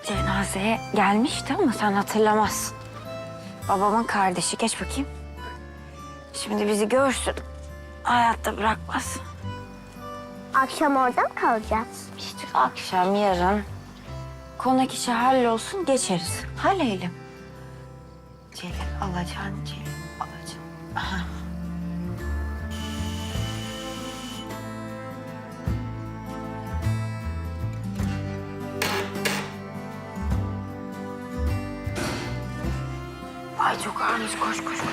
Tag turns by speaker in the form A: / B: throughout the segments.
A: cenazeye gelmişti ama sen hatırlamazsın. Babamın kardeşi. Geç bakayım. Şimdi bizi görsün. Hayatta bırakmaz.
B: Akşam orada mı kalacağız?
A: İşte akşam, yarın konak işi hallolsun, geçeriz. Halleyelim. Celil alacaksın, Celil alacaksın. Aha. Ay çok ağırmış, koş koş koş.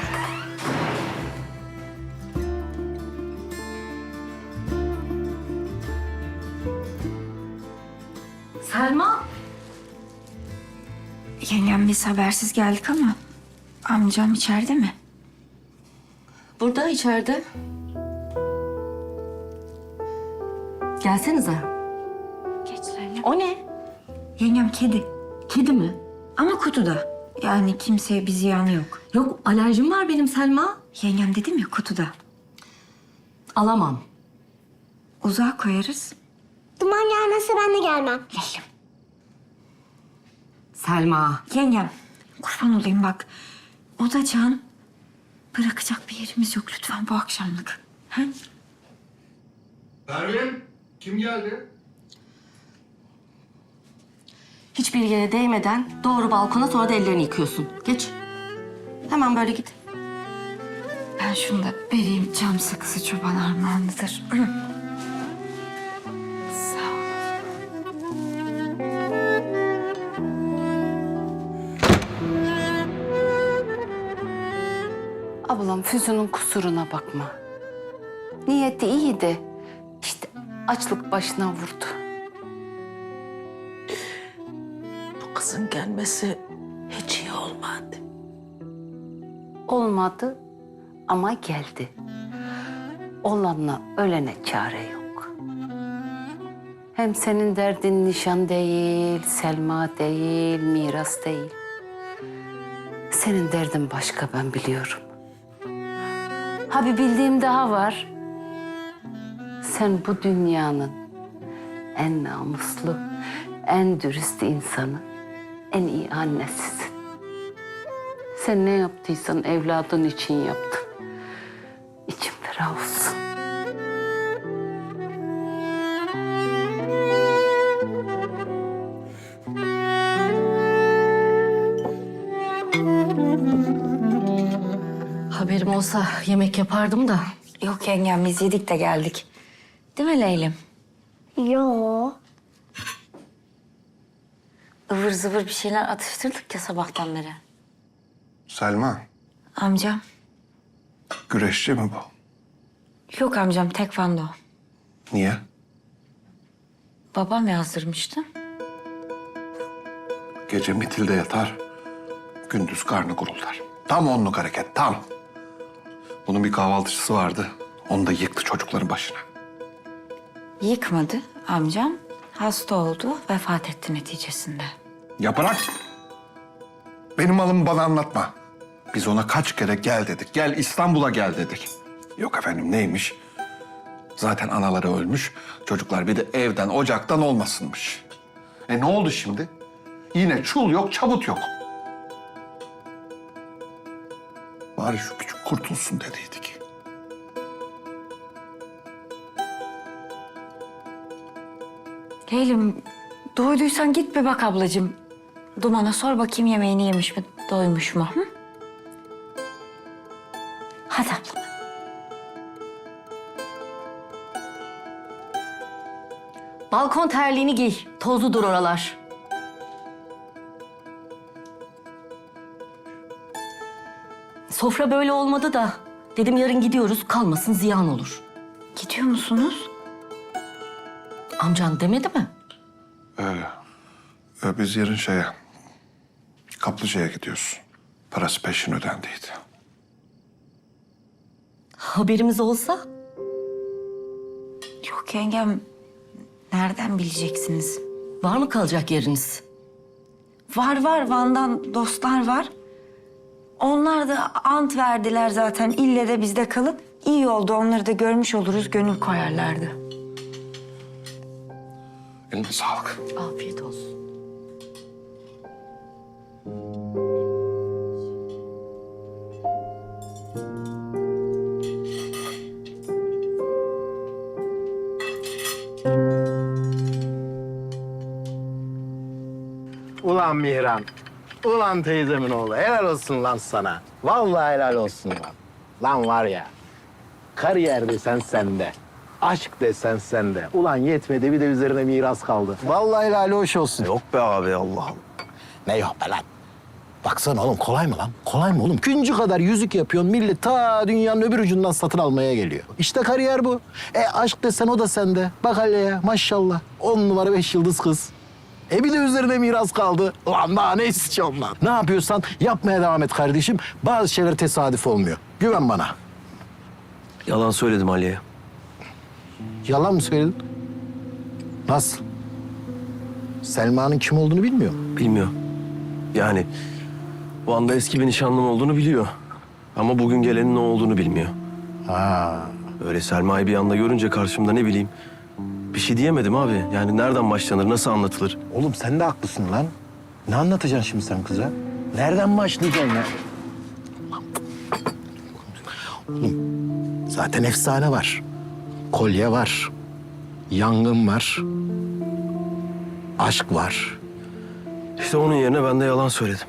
C: Selma.
A: Yengem biz habersiz geldik ama amcam içeride mi?
C: Burada içeride. Gelsenize.
A: Geç Zeynep.
C: O ne?
A: Yengem kedi.
C: Kedi mi?
A: Ama kutuda. Yani kimseye bir ziyanı yok.
C: Yok, alerjim var benim Selma.
A: Yengem dedim ya, kutuda.
C: Alamam.
A: Uzağa koyarız.
B: Duman gelmezse ben de gelmem.
A: Leylim.
C: Selma.
A: Yengem kurban olayım bak. O da can. Bırakacak bir yerimiz yok lütfen bu akşamlık. Ha?
D: Pervin, kim geldi?
C: Hiçbir yere değmeden doğru balkona, sonra da ellerini yıkıyorsun. Geç. Hemen böyle git.
A: Ben şunu da vereyim, cam sakızı çoban armağanıdır. Sağ ol.
E: Ablam Füsun'un kusuruna bakma. Niyeti iyiydi. İşte açlık başına vurdu.
F: Bu kızın gelmesi hiç iyi olmadı.
E: Olmadı ama geldi. Olanla ölene çare yok. Hem senin derdin nişan değil, Selma değil, miras değil. Senin derdin başka, ben biliyorum. Ha, bir bildiğim daha var. Sen bu dünyanın en namuslu, en dürüst insanı, en iyi annesisin. Sen ne yaptıysan evladın için yaptın. İçim ferah olsun.
C: Haberim olsa yemek yapardım da.
A: Yok yengem, biz yedik de geldik. Değil mi Leylim?
B: Yo.
A: Ivır zıvır bir şeyler atıştırdık ya sabahtan beri.
D: Selma,
A: Amcam.
D: güreşçi mi bu?
A: Yok amcam, tekvando.
D: Niye?
A: Babam yazdırmıştı.
D: Gece mitilde yatar, gündüz karnı guruldar. Tam onluk hareket, tam. Bunun bir kahvaltıcısı vardı, onu da yıktı çocukların başına.
A: Yıkmadı amcam. Hasta oldu, vefat etti neticesinde.
D: Ya bırak! Benim malımı bana anlatma. Biz ona kaç kere gel dedik, gel İstanbul'a gel dedik. Yok efendim, neymiş? Zaten anaları ölmüş, çocuklar bir de evden, ocaktan olmasınmış. Ne oldu şimdi? Yine çul yok, çabut yok. Bari şu küçük kurtulsun dediydik.
A: Leylim, doyduysan git bir bak ablacığım. Duman'a sor bakayım yemeğini yemiş mi, doymuş mu? Hı? Hadi abla.
C: Balkon terliğini giy. Tozludur oralar. Sofra böyle olmadı da. Dedim yarın gidiyoruz, kalmasın ziyan olur.
A: Gidiyor musunuz?
C: Amcan demedi mi?
D: Biz yarın Kaplıca'ya gidiyoruz. Parası peşin ödendiydi.
C: Haberimiz olsa?
A: Yok yengem, nereden bileceksiniz?
C: Var mı kalacak yeriniz?
A: Var var, Van'dan dostlar var. Onlar da ant verdiler zaten, ille de bizde kalın. İyi oldu, onları da görmüş oluruz, gönül koyarlardı.
D: Eline sağlık.
C: Afiyet olsun.
G: Ulan Mihran. Ulan teyzemin oğlu. Helal olsun lan sana. Vallahi helal olsun lan. Lan var ya. Kariyer desen sende. Aşk desen sende. Ulan yetmedi bir de üzerine miras kaldı. Vallahi helal hoş olsun.
H: Yok be abi Allah Allah.
G: Ne yok be lan? Baksana oğlum kolay mı lan? Kolay mı oğlum? Küncü kadar yüzük yapıyorsun. Millet ta dünyanın öbür ucundan satın almaya geliyor. İşte kariyer bu. Aşk desen o da sende. Bak hele ya maşallah. 10 numara 5 yıldız kız. Bir de üzerine miras kaldı. Ulan daha ne istiyorsun lan? Ne yapıyorsan yapmaya devam et kardeşim. Bazı şeyler tesadüf olmuyor. Güven bana.
H: Yalan söyledim Ali'ye.
G: Yalan mı söyledin? Nasıl? Selma'nın kim olduğunu bilmiyor mu?
H: Bilmiyor. Yani bu anda eski bir nişanlım olduğunu biliyor. Ama bugün gelenin ne olduğunu bilmiyor.
G: Ha.
H: Öyle Selma'yı bir anda görünce karşımda ne bileyim. Bir şey diyemedim abi. Yani nereden başlanır, nasıl anlatılır?
G: Oğlum sen de haklısın lan. Ne anlatacaksın şimdi sen kıza? Nereden başlayacaksın ya? Oğlum zaten efsane var. Kolye var. Yangın var. Aşk var.
H: İşte onun yerine ben de yalan söyledim.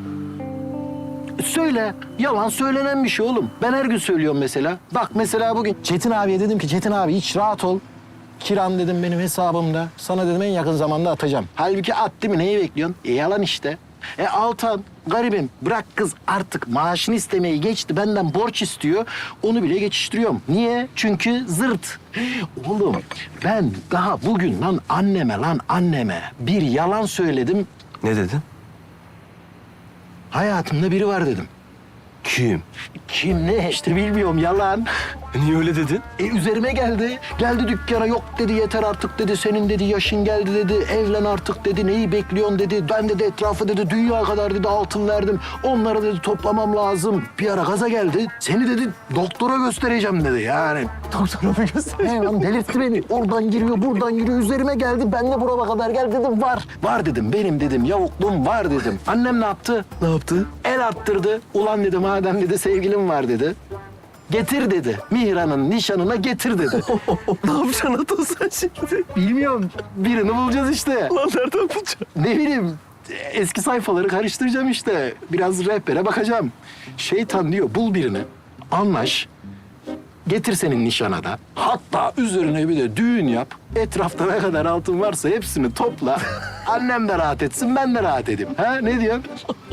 G: Söyle. Yalan söylenen bir şey oğlum. Ben her gün söylüyorum mesela. Bak mesela bugün Çetin abiye dedim ki Çetin abi hiç rahat ol. Kiran dedim benim hesabımda. Sana dedim en yakın zamanda atacağım. Halbuki at değil mi? Neyi bekliyorsun? Yalan işte. Altan garibim bırak kız artık maaşını istemeyi geçti. Benden borç istiyor. Onu bile geçiştiriyorum. Niye? Çünkü zırt. Oğlum ben daha bugün lan anneme bir yalan söyledim.
H: Ne dedin?
G: Hayatımda biri var dedim.
H: Kim?
G: Kim ne işte bilmiyorum yalan.
H: Niye öyle dedin?
G: Üzerime geldi. Geldi dükkana yok dedi yeter artık dedi. Senin dedi yaşın geldi dedi. Evlen artık dedi. Neyi bekliyorsun dedi. Ben dedi etrafı dedi dünya kadar dedi altın verdim. Onları dedi toplamam lazım. Bir ara gaza geldi. Seni dedi doktora göstereceğim dedi yani. Doktora mı göstereceğim? Lan delirtti beni. Oradan giriyor buradan giriyor. Üzerime geldi. Ben de burama kadar gel dedim var. Var dedim benim dedim yavukluğum var dedim. Annem ne yaptı?
H: Ne yaptı?
G: El attırdı. Ulan dedi madem dedi sevgilim var dedi. Getir dedi. Mihran'ın nişanına getir dedi.
H: Ne yapacaksın Ata sen şimdi?
G: Bilmiyorum. Birini bulacağız işte.
H: Lan nereden bulacaksın?
G: Ne bileyim. Eski sayfaları karıştıracağım işte. Biraz rehbere bakacağım. Şeytan diyor bul birini. Anlaş. Getir senin nişana da. Hatta üzerine bir de düğün yap. Etrafta ne kadar altın varsa hepsini topla. Annem de rahat etsin, ben de rahat edeyim. Ha ne diyorsun?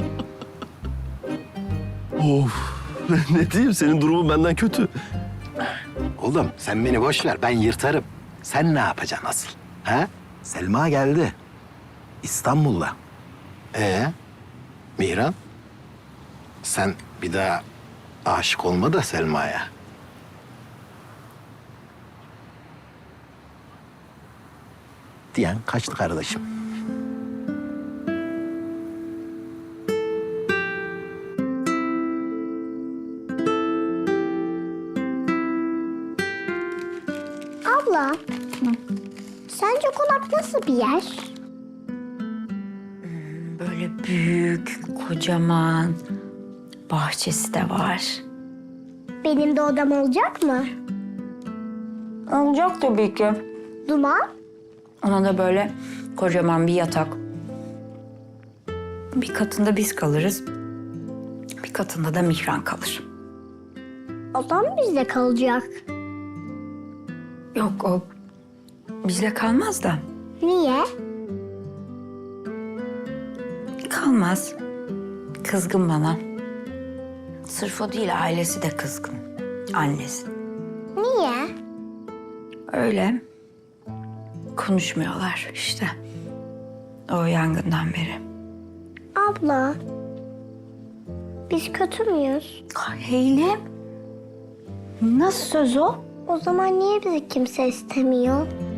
H: Of. Ne diyeyim senin durumun benden kötü.
G: Oğlum sen beni boş ver, ben yırtarım. Sen ne yapacaksın asıl? Ha? Selma geldi. İstanbul'da. Mihran? Sen bir daha aşık olma da Selma'ya. Diyen kaçtı kardeşim.
B: Abla, sence konak nasıl bir yer?
A: Böyle büyük, kocaman. Bahçesi de var.
B: Benim de odam olacak mı?
A: Olacak tabii ki.
B: Duman?
A: Ona da böyle kocaman bir yatak. Bir katında biz kalırız. Bir katında da Mihran kalır.
B: Odam bizde kalacak.
A: Yok o bizde kalmaz da.
B: Niye?
A: Kalmaz. Kızgın bana. Sırf o değil ailesi de kızgın. Annesi.
B: Niye?
A: Öyle. Konuşmuyorlar işte. O yangından beri.
B: Abla, biz kötü müyüz?
A: Heylem. Nasıl söz o?
B: O zaman niye bizi kimse istemiyor?